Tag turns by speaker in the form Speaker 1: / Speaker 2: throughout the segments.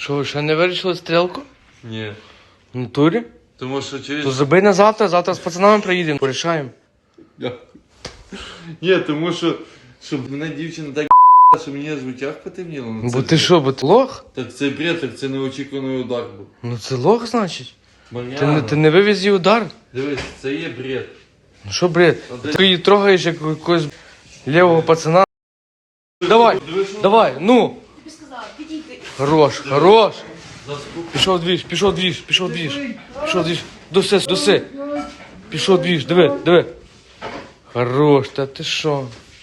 Speaker 1: Що, ще не вирішили стрілку?
Speaker 2: Ні.
Speaker 1: В натурі?
Speaker 2: Тому що через...
Speaker 1: То забий на завтра, завтра з пацанами приїдемо, порішаємо.
Speaker 2: Ні, тому що... Щоб мене дівчина так що мені аж в очах потемніло. Ну,
Speaker 1: Бо
Speaker 2: це
Speaker 1: ти
Speaker 2: бред.
Speaker 1: що, бо ти лох?
Speaker 2: Так це бред, так це неочікуваний удар був.
Speaker 1: Ну це лох, значить.
Speaker 2: Мар'яна,
Speaker 1: Ти не вивіз її удар?
Speaker 2: дивись, це є бред.
Speaker 1: Ну що, бред?
Speaker 2: ти-
Speaker 1: Ти її трогаєш як якогось лівого пацана. Давай,
Speaker 2: Дивись, що-
Speaker 1: давай, ну.
Speaker 3: Тобі сказала, підійди.
Speaker 1: Хорош, хорош.
Speaker 2: Заспокойся.
Speaker 1: Пішов двіж, пішов двіж, пішов двіж. Пішов двіж. Доси, доси. Пішов двіж, диви, диви. Хорош, та ти що?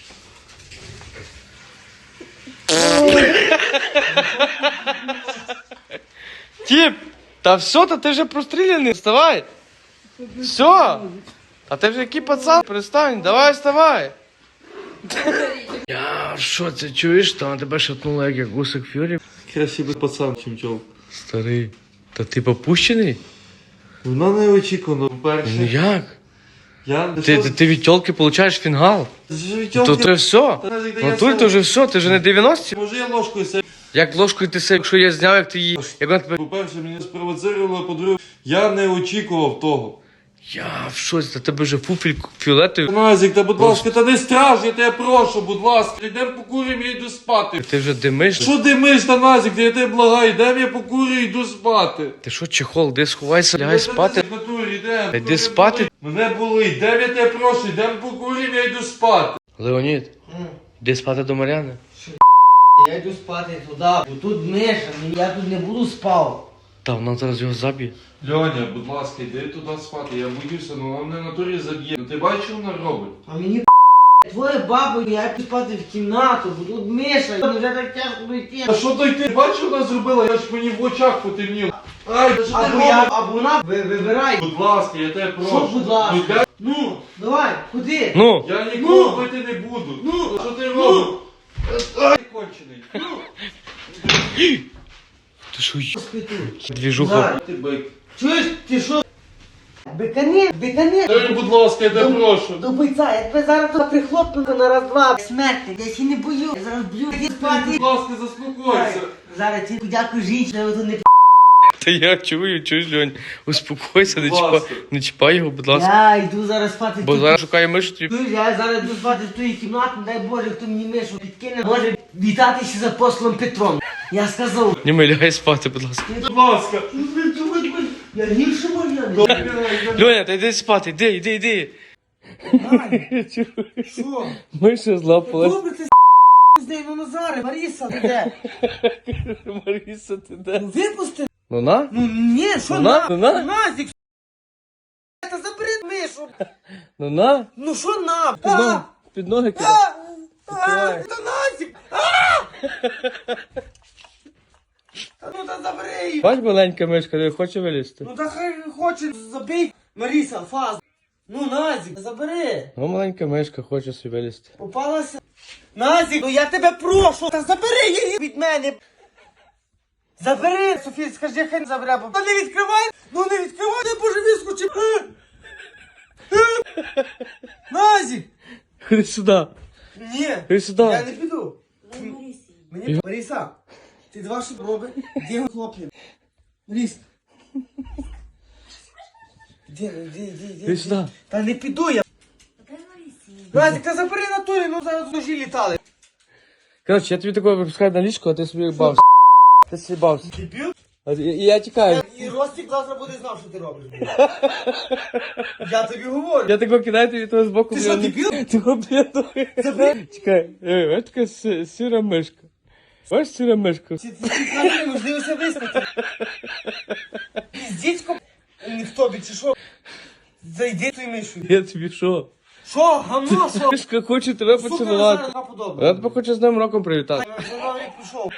Speaker 1: Тіп, та все, та ти вже простріляний, вставай. Все. А ти вже який пацан, перестань, давай вставай. Я що це чуєш, там тебе шатнуло як гусик фюрі?
Speaker 2: Краще би пацан, чим чоловік.
Speaker 1: Старий, та ти попущений?
Speaker 2: Вона неочікувано,
Speaker 1: Ну
Speaker 2: по-перше.
Speaker 1: як?
Speaker 2: Я...
Speaker 1: Ти від тілки получаєш фінгал. То це все. Ну тут то вже все, ти вже не 90.
Speaker 2: Може я ложкою себе...
Speaker 1: Як ложкою ти себе, якщо я зняв, як ти її. Як вона тебе.
Speaker 2: По-перше, мене спровоцировало, по-друге, я не очікував того.
Speaker 1: Я в шоці, та тебе вже фуфель фіолетовий.
Speaker 2: Назік, та будь ласка, та не страж, я тебе прошу, будь ласка, йдемо покуримо, я йду спати.
Speaker 1: Ти вже димиш.
Speaker 2: Що димиш, та Назік, я тебе благаю, йдемо я покурю, йду спати.
Speaker 1: Ти що, чехол, де сховайся, лягай спати.
Speaker 2: В натурі, йдемо.
Speaker 1: Та йди спати.
Speaker 2: Мене болить, йдемо я тебе прошу, йдемо покуримо, я йду спати.
Speaker 1: Леонід, йди спати до Мар'яни.
Speaker 4: Я йду спати туди, бо тут Миша, я тут не буду спав.
Speaker 1: Та вона зараз його заб'є.
Speaker 2: Льоня, будь ласка, йди туди спати, я боюся, ну вона мене в натурі заб'є. Ну ти бачиш, що вона робить?
Speaker 4: А мені твоя баба, я йду спати в кімнату, бо тут Миша, вже так тяжко дойти.
Speaker 2: А що то ти бачиш, що вона зробила? Я ж мені в очах потемніло. Ай, та що ти
Speaker 4: Або я,
Speaker 2: робиш?
Speaker 4: або вона вибирай.
Speaker 2: Будь ласка, я тебе прошу.
Speaker 4: Що, будь ласка?
Speaker 2: Ну,
Speaker 4: Ну, давай, ходи.
Speaker 1: Ну,
Speaker 2: я нікого бити не буду.
Speaker 4: Ну,
Speaker 2: Що ти робиш? Ай, кончений.
Speaker 1: ти що,
Speaker 4: Спи тут.
Speaker 1: двіжуха.
Speaker 4: Давай.
Speaker 2: Ти бик.
Speaker 4: Чуєш, ти що? Беканет, беканет.
Speaker 2: Дай, будь ласка, я тебе прошу.
Speaker 4: До бойця, я тебе зараз тут прихлопну на раз-два. Смерти, я ще не бою, я зараз б'ю, йди спати.
Speaker 2: Будь ласка, заспокойся.
Speaker 4: Зараз ті подякую жінці, я тут не
Speaker 1: Та я чуєш, Льонь, успокойся,
Speaker 2: Будь ласка.
Speaker 1: не чіпай його, будь ласка.
Speaker 4: Я йду зараз спати.
Speaker 1: Бо зараз шукає мишу тобі.
Speaker 4: Чуєш, я зараз йду спати в твоїй кімнаті, дай Боже, хто мені мишу підкине, може вітатися з апостолом Петром. Я сказав.
Speaker 1: Ні, ми лягай спати, будь ласка.
Speaker 2: Будь ласка.
Speaker 4: Я гірше можна.
Speaker 1: Льоня, та йди спати, йди.
Speaker 4: Що?
Speaker 1: Миша злапалась.
Speaker 4: Добре, ти з нею, ну Назаре, Маріса, ти де?
Speaker 1: Маріса, ти де?
Speaker 4: Ну випусти.
Speaker 1: Ну на?
Speaker 4: Ну ні, що
Speaker 1: Ну, на? Ну, на?
Speaker 4: Назік, та забери мишу.
Speaker 1: Ну на?
Speaker 4: Ну що на?
Speaker 1: Під ноги кидай. Давай.
Speaker 4: Та Назік! Ну та забери її.
Speaker 1: Бач, маленька мишка, не хоче вилізти.
Speaker 4: Ну та хай хоче, забий. Маріса, фаз. Ну Назік, забери.
Speaker 1: Ну, маленька мишка хоче собі вилізти.
Speaker 4: Попалася? Назік, ну я тебе прошу, та забери її від мене. Забери, Софія, скажи, хай не забере, бо... Та не відкривай, ну не відкривай, не боже, вискочив. Назік!
Speaker 1: Ходи сюди.
Speaker 4: Ні,
Speaker 1: Ходи сюди.
Speaker 4: я не піду. Мені, Маріса, ти два що роби, де його хлопнем? Маріс.
Speaker 1: Ходи сюди.
Speaker 4: Та не піду я. Назік, та забери на турі, ну зараз ножі літали.
Speaker 1: Коротше, я тобі такого випускаю на ліжко, а ти собі бався. Ти собі бався.
Speaker 4: Дебіл?
Speaker 1: І я тікаю.
Speaker 4: І Ростик завтра буде знав, що ти робиш. Я тобі говорю.
Speaker 1: Я такого кидаю тобі того з боку.
Speaker 4: Ти що, дебіл?
Speaker 1: Того блядує.
Speaker 4: Забери.
Speaker 1: Чекай, ось така сіра мишка. Ось сіра мишка.
Speaker 4: Ти кажи, можливо, це вискочить. Піздічко не в тобі, чи що? Зайди той мишу.
Speaker 1: Я тобі що?
Speaker 4: Що, гамно, що?
Speaker 1: Мишка хоче тебе
Speaker 4: Сука,
Speaker 1: поцілувати.
Speaker 4: зараз
Speaker 1: Я
Speaker 4: подобає.
Speaker 1: тебе хочу з Новим роком привітати.
Speaker 4: Вже новий рік пішов.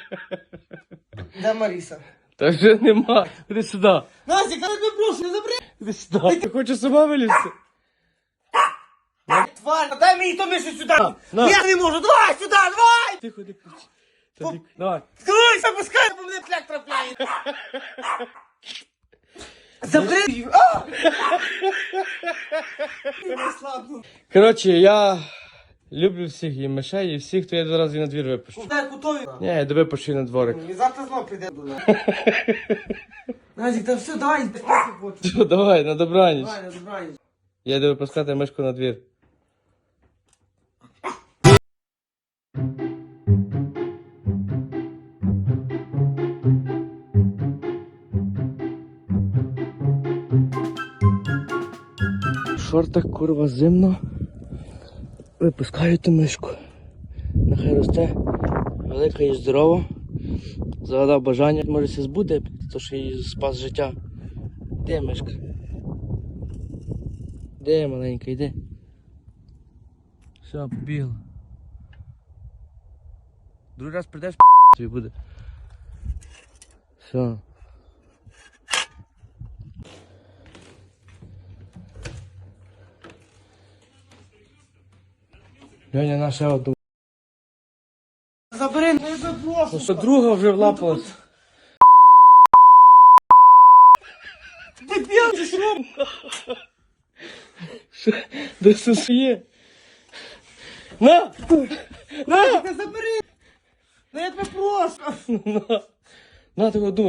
Speaker 4: Де Маріса?
Speaker 1: Та вже нема. Іди сюди.
Speaker 4: Назік, я тебе прошу, не забери.
Speaker 1: Іди сюди. Ти хочеш сама вилізти?
Speaker 4: Тварь, дай мені то мишу сюди.
Speaker 1: на.
Speaker 4: Я не можу, давай сюди, давай.
Speaker 1: Тихо, не кричи. Давай.
Speaker 4: Давай, запускай, бо мене пляк трапляє. Забери її. А! Не слабну.
Speaker 1: Коротше, я Люблю всіх, і мишей, і всіх, то я зараз і на двір випущу.
Speaker 4: Дай кутові.
Speaker 1: Ні, я тебе почую на дворик.
Speaker 4: І завтра знов прийде до нас. Назік, та все, давай, спати хочу.
Speaker 1: Все, давай, на добраніч.
Speaker 4: Давай, на добраніч.
Speaker 1: Я йду випускати мишку на двір. В шортах, курва, зимно. Випускаю ту мишку. Нехай росте. Велика і здорова. Загадав бажання, може се збуде, то що їй спас життя. Де мишка? Де маленька, йди. Все, побігла. Другий раз прийдеш, тобі буде. Все. Льоня, наша одну.
Speaker 4: Забери, не запрошу.
Speaker 1: Ну що, друга вже влапалась.
Speaker 4: Дебіл, ти що?
Speaker 1: Де сусує? На! На!
Speaker 4: Та забери. Ну я тебе прошу.
Speaker 1: На, ти одну.